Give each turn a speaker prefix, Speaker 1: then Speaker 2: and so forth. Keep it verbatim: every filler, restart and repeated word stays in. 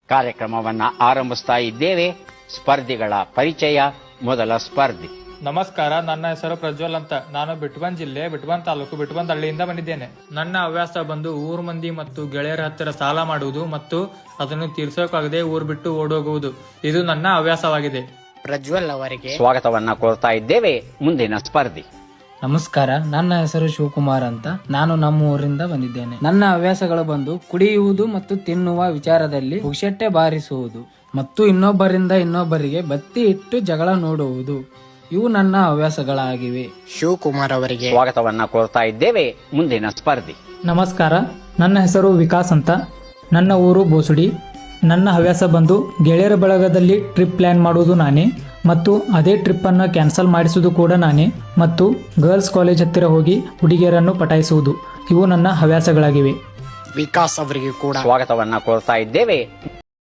Speaker 1: ಕಾರ್ಯಕ್ರಮವನ್ನ ಆರಂಭಿಸ್ತಾ ಇದ್ದೇವೆ. ಸ್ಪರ್ಧಿಗಳ ಪರಿಚಯ. ಮೊದಲ ಸ್ಪರ್ಧಿ.
Speaker 2: ನಮಸ್ಕಾರ, ನನ್ನ ಹೆಸರು ಪ್ರಜ್ವಲ್ ಅಂತ. ನಾನು ಬಿಟ್ಬಂದ್ ಜಿಲ್ಲೆ ಬಿಟ್ಬಂದ್ ತಾಲೂಕು ಬಿಟ್ಬಂದ್ ಹಳ್ಳಿಯಿಂದ ಬಂದಿದ್ದೇನೆ. ನನ್ನ ಹವ್ಯಾಸ ಬಂದು ಊರ್ ಮಂದಿ ಮತ್ತು ಗೆಳೆಯರ ಹತ್ತಿರ ಸಾಲ ಮಾಡುವುದು ಮತ್ತು ಅದನ್ನು ತೀರ್ಸೋಕಾಗದೆ ಊರ್ ಬಿಟ್ಟು ಓಡೋಗುವುದು. ಇದು ನನ್ನ ಹವ್ಯಾಸವಾಗಿದೆ.
Speaker 3: ಪ್ರಜ್ವಲ್ ಅವರಿಗೆ
Speaker 1: ಸ್ವಾಗತವನ್ನ ಕೋರ್ತಾ ಇದ್ದೇವೆ. ಮುಂದಿನ ಸ್ಪರ್ಧಿ.
Speaker 4: ನಮಸ್ಕಾರ, ನನ್ನ ಹೆಸರು ಶಿವಕುಮಾರ್ ಅಂತ. ನಾನು ನಮ್ಮ ಊರಿಂದ ಬಂದಿದ್ದೇನೆ. ನನ್ನ ಹವ್ಯಾಸಗಳು ಬಂದು ಕುಡಿಯುವುದು ಮತ್ತು ತಿನ್ನುವ ವಿಚಾರದಲ್ಲಿ ಪುಕ್ಷಟ್ಟೆ ಬಾರಿಸುವುದು ಮತ್ತು ಇನ್ನೊಬ್ಬರಿಂದ ಇನ್ನೊಬ್ಬರಿಗೆ ಬತ್ತಿ ಇಟ್ಟು ಜಗಳ ನೋಡುವುದು. ಇವು ನನ್ನ ಹವ್ಯಾಸಗಳಾಗಿವೆ.
Speaker 3: ಶಿವಕುಮಾರ್ ಅವರಿಗೆ
Speaker 1: ಸ್ವಾಗತವನ್ನ ಕೋರ್ತಾ ಇದ್ದೇವೆ. ಮುಂದಿನ ಸ್ಪರ್ಧಿ.
Speaker 5: ನಮಸ್ಕಾರ, ನನ್ನ ಹೆಸರು ವಿಕಾಸ್ ಅಂತ. ನನ್ನ ಊರು ಬೋಸುಡಿ. ನನ್ನ ಹವ್ಯಾಸ ಬಂದು ಗೆಳೆಯರ ಬಳಗದಲ್ಲಿ ಟ್ರಿಪ್ ಪ್ಲ್ಯಾನ್ ಮಾಡುವುದು ನಾನೇ ಮತ್ತು ಅದೇ ಟ್ರಿಪ್ಪನ್ನು ಕ್ಯಾನ್ಸಲ್ ಮಾಡಿಸುವುದು ಕೂಡ ನಾನೇ ಮತ್ತು ಗರ್ಲ್ಸ್ ಕಾಲೇಜ್ ಹತ್ತಿರ ಹೋಗಿ ಹುಡುಗಿಯರನ್ನು ಪಟಾಯಿಸುವುದು. ಇವು ನನ್ನ ಹವ್ಯಾಸಗಳಾಗಿವೆ.
Speaker 3: ವಿಕಾಸ್ ಅವರಿಗೆ ಕೂಡ
Speaker 1: ಸ್ವಾಗತವನ್ನ ಕೋರ್ತಾ ಇದ್ದೇವೆ.